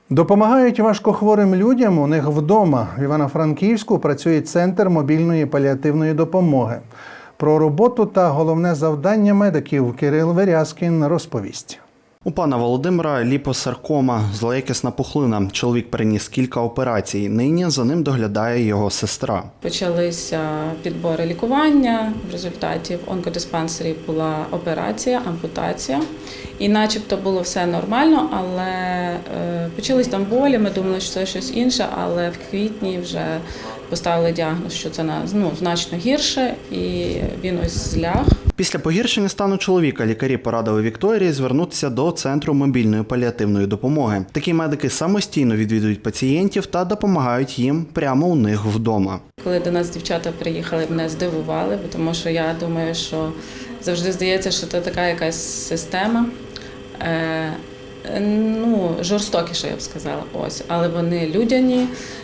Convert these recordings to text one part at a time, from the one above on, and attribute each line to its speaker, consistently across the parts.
Speaker 1: Допомагають важкохворим людям у них вдома. В Івано-Франківську працює Центр мобільної паліативної допомоги. Про роботу та головне завдання медиків Кирил Верязкін розповість.
Speaker 2: У пана Володимира ліпосаркома – злоякісна пухлина. Чоловік переніс кілька операцій. Нині за ним доглядає його сестра.
Speaker 3: Почалися підбори лікування. В результаті в онкодиспансері була операція, ампутація. І начебто було все нормально, але почались там болі. Ми думали, що це щось інше, але в квітні вже поставили діагноз, що це значно гірше, і він ось зляг.
Speaker 2: Після погіршення стану чоловіка лікарі порадили Вікторії звернутися до Центру мобільної паліативної допомоги. Такі медики самостійно відвідують пацієнтів та допомагають їм прямо у них вдома.
Speaker 3: Коли до нас дівчата приїхали, мене здивували, тому що я думаю, що завжди здається, що це така якась система, жорстокіша, я б сказала, ось. Але вони людяні,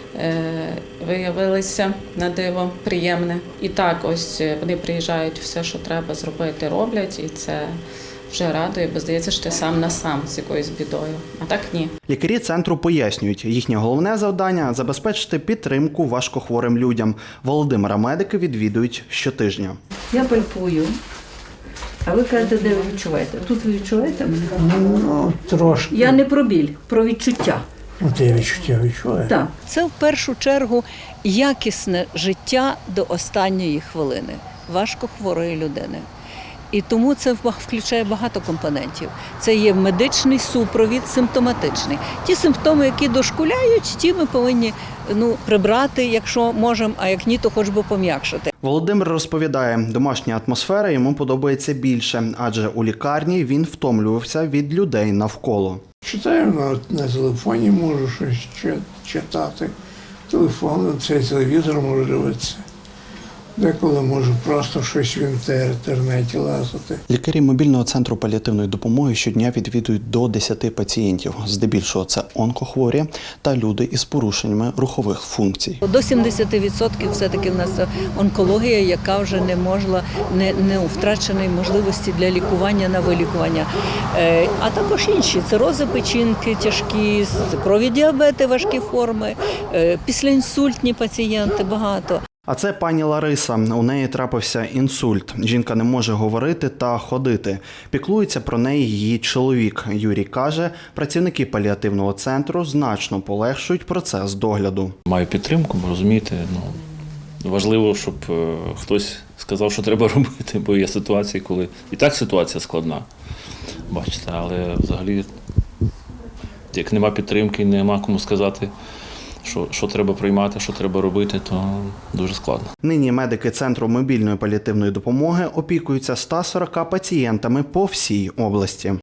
Speaker 3: виявилися на диво приємне. І так ось вони приїжджають, все, що треба зробити, роблять, і це вже радує, бо здається, що ти сам на сам з якоюсь бідою. А так ні.
Speaker 2: Лікарі центру пояснюють, їхнє головне завдання – забезпечити підтримку важкохворим людям. Володимира медики відвідують щотижня.
Speaker 4: Я пальпую. А ви кажете, де ви відчуваєте? Тут ви відчуваєте мене?
Speaker 5: Ну, трошки.
Speaker 4: Я не про біль, про відчуття.
Speaker 5: Ти відчуття відчуваю.
Speaker 4: Так.
Speaker 6: Це в першу чергу якісне життя до останньої хвилини важкохворої людини. І тому це включає багато компонентів. Це є медичний супровід, симптоматичний. Ті симптоми, які дошкуляють, ті ми повинні прибрати, якщо можемо, а як ні, то хоч би пом'якшити.
Speaker 2: Володимир розповідає, домашня атмосфера йому подобається більше, адже у лікарні він втомлювався від людей навколо.
Speaker 5: Читаю на телефоні, можу щось читати. Телефон, цей телевізор можу дивитися. Деколи можу просто щось в інтернеті лазити.
Speaker 2: Лікарі мобільного центру паліативної допомоги щодня відвідують до 10 пацієнтів. Здебільшого це онкохворі та люди із порушеннями рухових функцій.
Speaker 6: До 70% все-таки в нас онкологія, яка вже не втраченої можливості для лікування на вилікування. А також інші – цирози печінки тяжкі, цукрові діабети, важкі форми, післяінсультні пацієнти багато.
Speaker 2: А це пані Лариса. У неї трапився інсульт. Жінка не може говорити та ходити. Піклується про неї її чоловік. Юрій каже, працівники паліативного центру значно полегшують процес догляду.
Speaker 7: Маю підтримку, бо розумієте, важливо, щоб хтось сказав, що треба робити, бо є ситуації, коли і так ситуація складна, бачите, але взагалі, як нема підтримки, нема кому сказати, що треба приймати, що треба робити, то дуже складно.
Speaker 2: Нині медики Центру мобільної паліативної допомоги опікуються 140 пацієнтами по всій області.